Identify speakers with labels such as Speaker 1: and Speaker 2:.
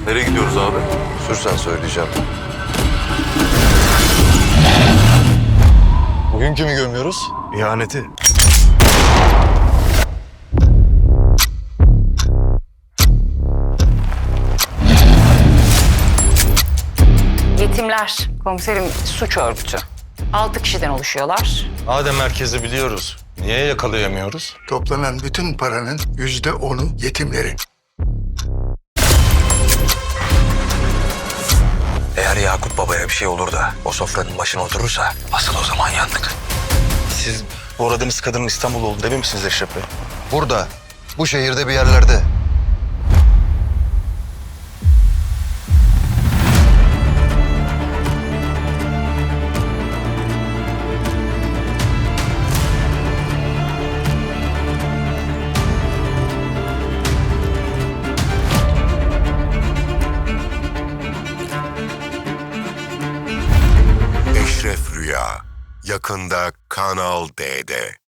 Speaker 1: Nereye gidiyoruz abi?
Speaker 2: Sürsen söyleyeceğim.
Speaker 1: Bugün kimi gömüyoruz?
Speaker 2: İhaneti.
Speaker 3: Yetimler, komiserim suç örgütü. 6 kişiden oluşuyorlar.
Speaker 4: Madem merkezi biliyoruz, niye yakalayamıyoruz?
Speaker 5: Toplanan bütün paranın %10'u yetimlerin.
Speaker 6: Eğer Yakup Baba'ya bir şey olur da o sofranın başına oturursa asıl o zaman yandık.
Speaker 4: Siz bu aradığınız kadının İstanbul olduğunu emin misiniz Eşref Bey?
Speaker 2: Burada, bu şehirde bir yerlerde.
Speaker 7: Eşref Rüya yakında Kanal D'de.